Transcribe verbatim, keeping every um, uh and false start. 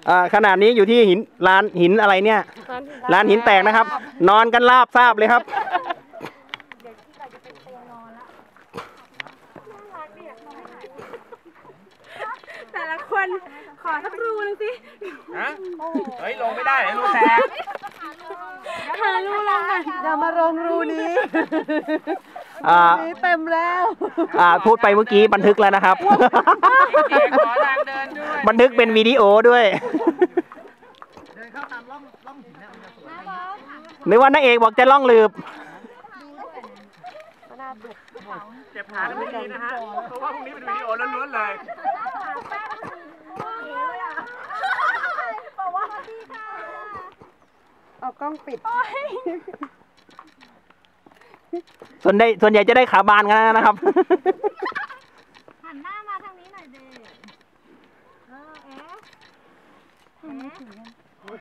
อ่าขนาดนี้อยู่ที่หินลานหินอะไรเนี่ยลานหินแตกนะครับ นอนกันราบทราบเลยครับแต่ละคนขอสักรูนึงสิฮะเฮ้ยลงไม่ได้รูแตกหารูลงกันอย่ามาลงรูนี้อ่าเต็มแล้วอ่าพูดไปเมื่อกี้บันทึกแล้วนะครับบันทึกเป็นวิดีโอด้วยนึกว่านางเอกบอกจะล่องลืบเจ็บขาไม่ดีนะฮะเพราะว่าพรุ่งนี้เป็นวิดีโอล้วนๆเลยเอากล้องปิดส่วนใหญ่ส่วนใหญ่จะได้ขาบานกันนะครับหันหน้ามาทางนี้หน่อยเด็กเออเอ๊ะ